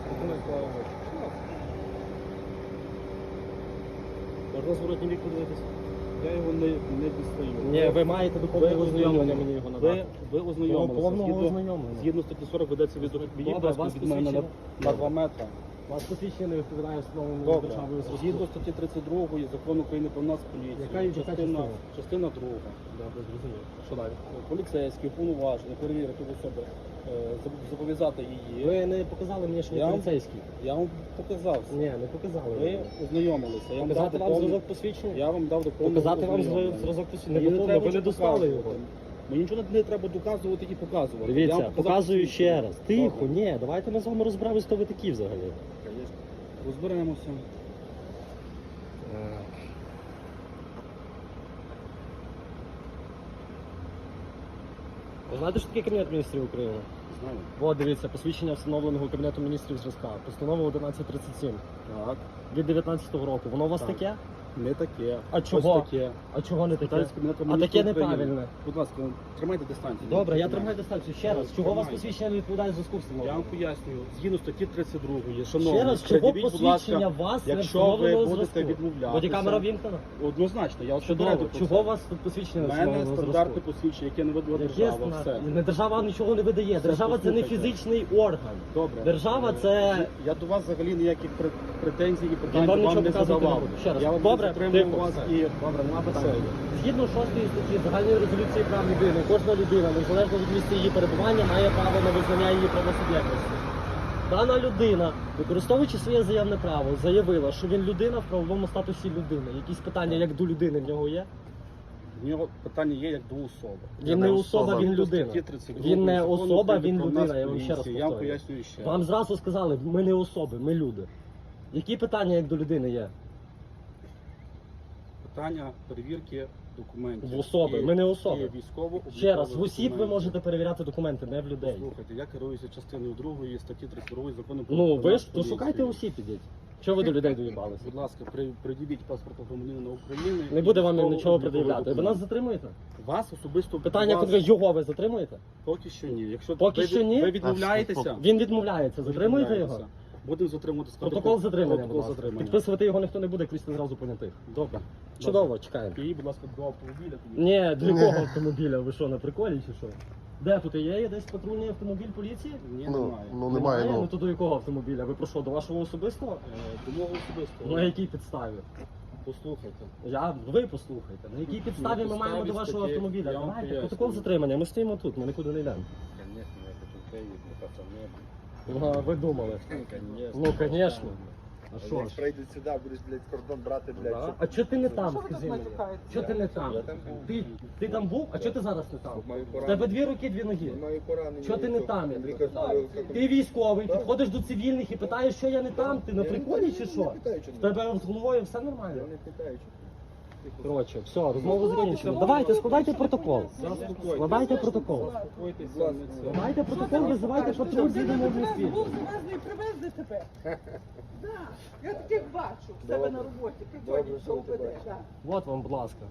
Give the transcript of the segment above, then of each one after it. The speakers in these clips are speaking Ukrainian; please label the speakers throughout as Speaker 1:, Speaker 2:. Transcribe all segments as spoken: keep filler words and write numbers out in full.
Speaker 1: Можна зворотній бік подивитися?
Speaker 2: Я його не, не дістаю.
Speaker 1: Ні, ви маєте до повного ознайомлення мені його надати.
Speaker 2: Ви, ви ознайомилися.
Speaker 1: Повного
Speaker 2: Згідно-
Speaker 1: ознайомлення.
Speaker 2: Згідно статті сорок ведеться від
Speaker 1: Добре,
Speaker 2: відео
Speaker 1: вас
Speaker 2: від мене на,
Speaker 1: посвідчення-
Speaker 2: на два метри.
Speaker 1: Вас посвідчення не відповідає встановленому
Speaker 2: Добре.
Speaker 1: державою зразку.
Speaker 2: Згідно статті тридцять другої Закону України про нас поліцію.
Speaker 1: Яка- яка
Speaker 2: частина,
Speaker 1: частина?
Speaker 2: частина друга.
Speaker 1: Добре, зрозуміло. Що далі?
Speaker 2: Поліцейський уповноважений перевірити в особи, е, зоб- зобов'язати її.
Speaker 1: Ви не показали мені, що ви
Speaker 2: Я вам-
Speaker 1: поліцейський.
Speaker 2: Я вам показав.
Speaker 1: Ні, не показали.
Speaker 2: Ви ознайомилися. Я вам
Speaker 1: Показати
Speaker 2: дав
Speaker 1: вам
Speaker 2: доповнений-
Speaker 1: зразок посвідчення?
Speaker 2: Я вам дав доповнений
Speaker 1: Показати вам
Speaker 2: ознайомлення.
Speaker 1: зразок посвідчення?
Speaker 2: Мені
Speaker 1: Не
Speaker 2: не
Speaker 1: доповнено,
Speaker 2: треба
Speaker 1: ви не
Speaker 2: нічого
Speaker 1: достали його.
Speaker 2: показувати. Мені нічого не треба доказувати і показувати. Я
Speaker 1: Дивіться,
Speaker 2: вам показав
Speaker 1: показую
Speaker 2: посвідчення.
Speaker 1: ще раз. Тихо,
Speaker 2: Добре.
Speaker 1: ні, давайте ми з вами розберемось, хто ви такі взагалі.
Speaker 2: Розберемося.
Speaker 1: Ви знаєте, що таке Кабінет міністрів України?
Speaker 2: Знаю.
Speaker 1: От, дивіться, посвідчення встановленого Кабінету міністрів зразка. Постанова одинадцять тридцять сім
Speaker 2: Так.
Speaker 1: від дев'ятнадцятого року. Воно у вас
Speaker 2: Так.
Speaker 1: таке?
Speaker 2: Не таке.
Speaker 1: А чого?
Speaker 2: Ось таке.
Speaker 1: А чого не таке?
Speaker 2: Питаюсь Кабінету
Speaker 1: А
Speaker 2: Міністрів
Speaker 1: таке
Speaker 2: України.
Speaker 1: неправильне.
Speaker 2: Будь ласка, тримайте дистанцію.
Speaker 1: Добре, я
Speaker 2: Тримайте.
Speaker 1: тримаю дистанцію. Ще раз, чого у вас
Speaker 2: Тримайте.
Speaker 1: посвідчення не відповідає зв'язку
Speaker 2: Я вам
Speaker 1: встановленого?
Speaker 2: пояснюю. Згідно статті тридцять другої, шановні,
Speaker 1: Ще раз, чого
Speaker 2: пред'явіть, будь ласка,
Speaker 1: посвідчення вас не
Speaker 2: якщо ви
Speaker 1: встановленого
Speaker 2: будете
Speaker 1: зразку?
Speaker 2: відмовлятися.
Speaker 1: Бодікамера вімкнена?
Speaker 2: Однозначно, я вас
Speaker 1: Чудово.
Speaker 2: попередив про
Speaker 1: Чого
Speaker 2: це.
Speaker 1: у вас тут посвідчення
Speaker 2: У
Speaker 1: не
Speaker 2: мене
Speaker 1: встановленого
Speaker 2: стандартне
Speaker 1: зразку?
Speaker 2: посвідчення, яке не видала
Speaker 1: Яке
Speaker 2: держава.
Speaker 1: ста-
Speaker 2: Все.
Speaker 1: Не держава вам нічого не видає.
Speaker 2: Все,
Speaker 1: Держава це не
Speaker 2: послухайте.
Speaker 1: фізичний орган.
Speaker 2: Добре.
Speaker 1: Держава
Speaker 2: Е,
Speaker 1: це...
Speaker 2: Я до вас взагалі ніяких пр- претензій і
Speaker 1: Я
Speaker 2: питань
Speaker 1: вам
Speaker 2: вам
Speaker 1: нічого
Speaker 2: не
Speaker 1: показувати не
Speaker 2: задавав.
Speaker 1: буду. Ще раз.
Speaker 2: Я вам
Speaker 1: Добре,
Speaker 2: затримую
Speaker 1: тихо,
Speaker 2: вас
Speaker 1: все.
Speaker 2: і...
Speaker 1: Добре, нема питань.
Speaker 2: Все.
Speaker 1: Згідно шостої статті Загальної резолюції прав людини, кожна людина, незалежно від місця її перебування, має право на визнання її правосуб'єктності. Дана людина, використовуючи своє заявне право, заявила, що він людина в правовому статусі людини. Якісь питання як до людини в нього є?
Speaker 2: В нього питання є як до особи.
Speaker 1: Він не особа, він людина.
Speaker 2: Статті тридцять другої
Speaker 1: Він не
Speaker 2: Закону
Speaker 1: особа,
Speaker 2: України
Speaker 1: він
Speaker 2: про
Speaker 1: людина,
Speaker 2: нас
Speaker 1: я вам ще раз
Speaker 2: поліцію. Я вам
Speaker 1: повторюю.
Speaker 2: пояснюю ще.
Speaker 1: Вам зразу сказали, ми не особи, ми люди. Які питання як до людини є?
Speaker 2: Питання перевірки документів.
Speaker 1: В особи.
Speaker 2: І-
Speaker 1: Ми не особи.
Speaker 2: і військово
Speaker 1: Ще раз, в осіб ви можете перевіряти документи, не в людей.
Speaker 2: Слухайте, я керуюся частиною другої статті тридцять другої закону про
Speaker 1: Ну, ви
Speaker 2: нас
Speaker 1: ж, то
Speaker 2: поліцію.
Speaker 1: шукайте осіб, ідіть. Чого ви до людей доїбалися?
Speaker 2: Будь ласка, при, приділіть паспорт громадянина України.
Speaker 1: Не буде вам
Speaker 2: Військово-
Speaker 1: нічого
Speaker 2: обліковий
Speaker 1: пред'являти. Ви
Speaker 2: документ.
Speaker 1: нас затримуєте?
Speaker 2: Вас особисто...
Speaker 1: Питання,
Speaker 2: вас...
Speaker 1: коли його ви затримуєте?
Speaker 2: Поки що ні. Якщо
Speaker 1: Поки
Speaker 2: ви,
Speaker 1: що ні?
Speaker 2: ви відмовляєтеся...
Speaker 1: Він відмовляється.
Speaker 2: ви
Speaker 1: Затримуєте
Speaker 2: відмовляєтеся.
Speaker 1: його?
Speaker 2: Будемо затримувати складу.
Speaker 1: Протокол затримання, будь
Speaker 2: Протокол
Speaker 1: ласка.
Speaker 2: затримання.
Speaker 1: Підписувати його ніхто не буде, крізь зразу понятих.
Speaker 2: Добре.
Speaker 1: Чудово, чекаємо.
Speaker 2: І, будь ласка, до автомобіля. тоді.
Speaker 1: Ні, для якого автомобіля? Ви що, на приколі чи що? Де тут є? Є десь патрульний автомобіль поліції?
Speaker 2: Ні,
Speaker 3: Ну,
Speaker 2: немає.
Speaker 3: ну немає,
Speaker 1: Ну
Speaker 3: ну.
Speaker 1: то до якого автомобіля? Ви про що, до вашого особистого?
Speaker 2: Е, До мого особистого.
Speaker 1: На якій підставі?
Speaker 2: Послухайте.
Speaker 1: Я, ви послухайте, на якій підставі ми
Speaker 2: підставі
Speaker 1: маємо до вашого
Speaker 2: статті,
Speaker 1: автомобіля?
Speaker 2: я вам
Speaker 1: Давайте,
Speaker 2: пояснюю.
Speaker 1: протокол затримання, ми стоїмо тут, ми нікуди не йдемо.
Speaker 4: Конечно, я хочу приїхати, пацани.
Speaker 1: Ну, а ви думали?
Speaker 4: Конечно.
Speaker 1: Ну, конечно. А що
Speaker 4: Як
Speaker 1: ж?
Speaker 4: прийдуть сюди, будеш, блядь, кордон брати, блядь.
Speaker 1: Да?
Speaker 4: щоб-
Speaker 1: А чого ти не там,
Speaker 5: Що ви
Speaker 1: скажи
Speaker 5: так
Speaker 1: мені?
Speaker 5: матюкаєте?
Speaker 1: Чого ти не там?
Speaker 4: Я там був.
Speaker 1: Ти, ти там був, а чого ти зараз не там?
Speaker 4: Маю
Speaker 1: В
Speaker 4: поранення.
Speaker 1: тебе дві руки, дві ноги.
Speaker 4: Маю поранення.
Speaker 1: Чого ти не там, я
Speaker 4: Лікар
Speaker 1: тебе
Speaker 4: сказав, як-
Speaker 1: Ти військовий,
Speaker 4: Так.
Speaker 1: підходиш до цивільних і питаєш, що я не там, ти на
Speaker 4: Я не
Speaker 1: приколі
Speaker 4: питаю,
Speaker 1: чи
Speaker 4: я
Speaker 1: що?
Speaker 4: не питаю, чого
Speaker 1: В
Speaker 4: не
Speaker 1: тебе з головою все
Speaker 4: Я
Speaker 1: нормально?
Speaker 4: не питаю, що.
Speaker 1: Коротше, все, розмову закінчено. Давайте, складайте протокол.
Speaker 2: Заспокойтесь.
Speaker 1: Складайте протокол.
Speaker 2: Заспокойтеся.
Speaker 4: Будь ласка.
Speaker 2: не це.
Speaker 1: Складайте протокол, визивайте патруль, їдемо в місті.
Speaker 5: Був завезли і привезли тебе. Да, я таких бачу в себе
Speaker 4: Добре.
Speaker 5: на роботі.
Speaker 4: Добре,
Speaker 5: Приходять,
Speaker 4: що
Speaker 5: що
Speaker 4: ви
Speaker 5: УБД.
Speaker 4: бачите.
Speaker 5: да.
Speaker 1: От вам, будь ласка.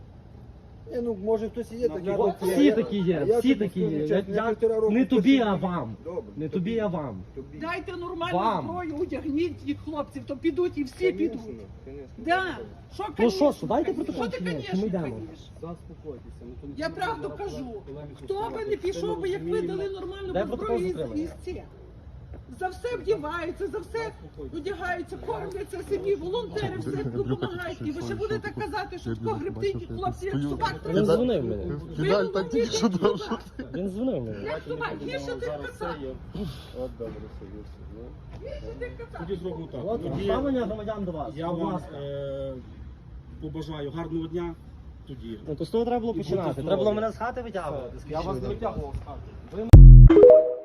Speaker 4: Ні, ну, може хтось і є такий.
Speaker 2: От
Speaker 4: Я-
Speaker 1: Всі
Speaker 4: я-
Speaker 1: такі є,
Speaker 4: я
Speaker 1: всі
Speaker 4: тобі
Speaker 1: такі
Speaker 4: скажу
Speaker 1: є. Я-
Speaker 4: чесно, я
Speaker 1: я-
Speaker 4: півтора року
Speaker 1: Не тобі,
Speaker 4: посидів.
Speaker 1: а вам.
Speaker 4: Добре.
Speaker 1: Не тобі, а вам.
Speaker 4: Тобі.
Speaker 5: Дайте нормальну
Speaker 1: Вам.
Speaker 5: зброю, одягніть їх хлопців, то підуть і всі
Speaker 4: Конечно,
Speaker 5: підуть.
Speaker 4: конечно.
Speaker 5: Да. Що,
Speaker 1: Ну
Speaker 5: конечно,
Speaker 1: що, дайте
Speaker 5: конечно.
Speaker 1: протокол
Speaker 5: Що ти,
Speaker 1: чи ні? Чи
Speaker 5: конечно,
Speaker 1: ми йдемо?
Speaker 5: кажеш?
Speaker 2: Заспокойтеся. Ну, то не
Speaker 5: Я
Speaker 2: треба
Speaker 5: правду
Speaker 2: зараз
Speaker 5: кажу.
Speaker 2: полеміку
Speaker 5: Хто би
Speaker 2: ставити.
Speaker 5: не
Speaker 2: Це
Speaker 5: пішов би, як ви
Speaker 2: розуміємо.
Speaker 5: дали нормальну
Speaker 1: Дай протокол
Speaker 5: зброю
Speaker 1: затримання.
Speaker 5: із ці. За все вдіваються, за все одягаються, кормляться собі, волонтери все допомагають. І ви ще будете казати, що тако грибти хлопці, як собак
Speaker 1: Він
Speaker 5: треба.
Speaker 1: дзвонив мені.
Speaker 3: Фідаль так тільки що дав, що ти.
Speaker 1: Він дзвонив мені.
Speaker 5: Як собак, гірше тих
Speaker 2: Зараз це
Speaker 5: казак.
Speaker 2: є.
Speaker 4: От добре, Сергій.
Speaker 5: Гірше тих казак.
Speaker 2: Тоді зробимо так.
Speaker 1: От
Speaker 2: Тоді
Speaker 1: ставлення громадян до вас.
Speaker 2: я
Speaker 1: Будь
Speaker 2: вам
Speaker 1: ласка.
Speaker 2: е, побажаю гарного дня. Тоді.
Speaker 1: Ну то з того треба було
Speaker 2: І будьте
Speaker 1: починати.
Speaker 2: здорові.
Speaker 1: Треба було мене з хати витягувати.
Speaker 2: Я вас не витягував з хати.
Speaker 1: Ви